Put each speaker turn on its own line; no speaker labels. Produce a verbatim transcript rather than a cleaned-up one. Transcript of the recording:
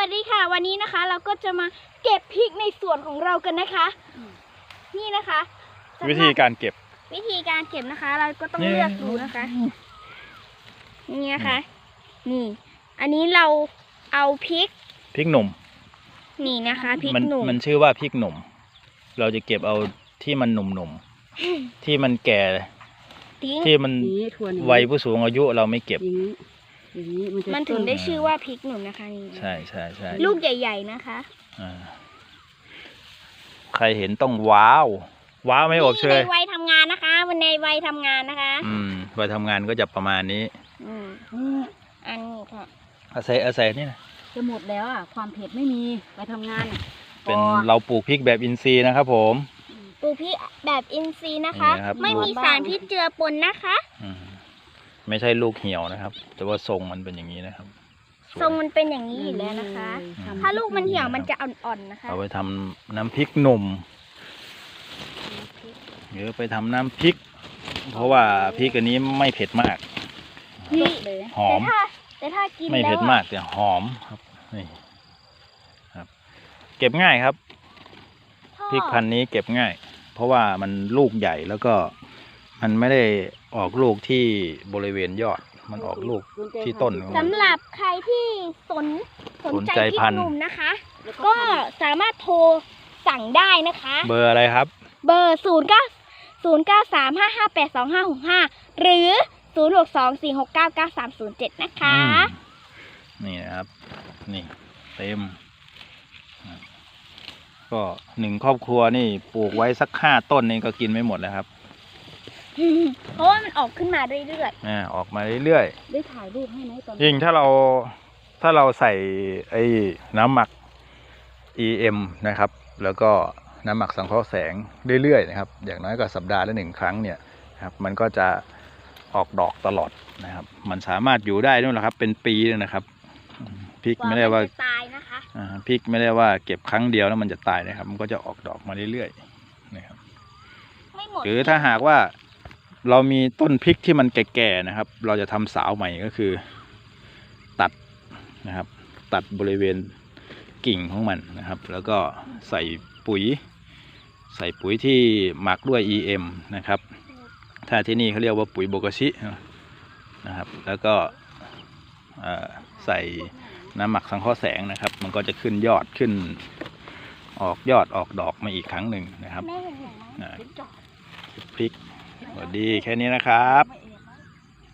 วัสดีค่ะวันนี้นะคะเราก็จะมาเก็บพริกในสวนของเรากันนะคะนี่นะคะ
วิธีการเก็บ
วิธีการเก็บนะคะเราก็ต้องเลือกดูนะคะนี่นะคะนี่อันนี้เราเอาพริก
พริกหนุ่ม
นี่นะคะพริก
มัน
หนุ่ม
มันชื่อว่าพริกหนุ่มเราจะเก็บเอาที่มันหนุ่มๆที่มันแก่ที่มันวัยผู้สูงอายุเราไม่เก็บ
มันถึงได้ชื่อว่าพริกหนุ่มนะคะนี่
ใช่ใช่ใช่
ลูกใหญ่ๆนะคะ
ใครเห็นต้องว้าวว้าวไม่อบเชย
ในวัยทำงานนะคะวันในวัยทำงานนะคะ
อืมวัยทำงานก็จะประมาณนี้
อืมอันนี้ค่ะ
อาศัยอาศัยนี่นะ
จะหมดแล้วอ่ะความเผ็ดไม่มีไปทำงาน
เป็นเราปลูกพริกแบบอินทรีย์นะครับผม
ปลูกพริกแบบอินทรีย์นะคะไม่มีสารพิษเจือปนนะคะ
ไม่ใช่ลูกเหี่ยวนะครับแต่ว่าทรงมันเป็นอย่างนี้นะครับ
ทรงมันเป็นอย่างนี้อยู่แล้วนะคะถ้าลูกมันเหี่ยวมันจะอ่อนๆนะคะ
เอาไปทำน้ำพริกหนุ่มหรือไปทำน้ำพริกเพราะว่าพริกอันนี้ไม่เผ็ดมากหอม
แต่ถ้ากิน
ไม่เผ็ดมากแต่หอมครับนี่ครับเก็บง่ายครับพริกพันธุ์นี้เก็บง่ายเพราะว่ามันลูกใหญ่แล้วก็มันไม่ได้ออกลูกที่บริเวณยอดมันออกลูกที่ต้น
สำหรับใครที่สนสนใจพริกหนุ่มนะคะก็สามารถโทรสั่งได้นะคะ
เบอร์อะไรครับ
เบอร์ศูนย์เก้าศูนย์เก้าสามห้าห้าแปดสองห้าหกห้าหรือศูนย์หกสองสี่หกเก้าเก้าสามศูนย์เจ็ดนะคะ
นี่นะครับนี่เต็มก็หนึ่งครอบครัวนี่ปลูกไว้สักห้าต้นนี่ก็กินไม่หมดแล้วครับ
เพราะว่ามันออกขึ้นมาเรื่อย
ๆอ่าออกมาเรื่อย
ๆได้ถ่ายรูปให้ไหมตอน
ยิ่งถ้าเราถ้าเราใส่ไอ้น้ำหมัก อี เอ็ม นะครับแล้วก็น้ำหมักสังเคราะห์แสงเรื่อยๆนะครับอย่างน้อยก็สัปดาห์ละหนึ่งครั้งเนี่ยครับมันก็จะออกดอกตลอดนะครับมันสามารถอยู่ได้ด้วยนะครับเป็นปีเลยนะครับพริกไม่ได้ว่า
ตายนะคะ
พริกไม่ได้ว่าเก็บครั้งเดียวแล้วมันจะตายนะครับมันก็จะออกดอกมาเรื่อยๆนะครับหรือถ้าหากว่าเรามีต้นพริกที่มันแก่ๆนะครับเราจะทำสาวใหม่ก็คือตัดนะครับตัดบริเวณกิ่งของมันนะครับแล้วก็ใส่ปุ๋ยใส่ปุ๋ยที่หมักด้วย อี เอ็ม นะครับถ้าที่นี่เขาเรียกว่าปุ๋ยโบกชินะครับแล้วก็ใส่น้ำหมักสังเคราะห์แสงนะครับมันก็จะขึ้นยอดขึ้นออกยอดออกดอกมาอีกครั้งหนึ่งนะครับพริกสวัสดีแค่นี้นะครับ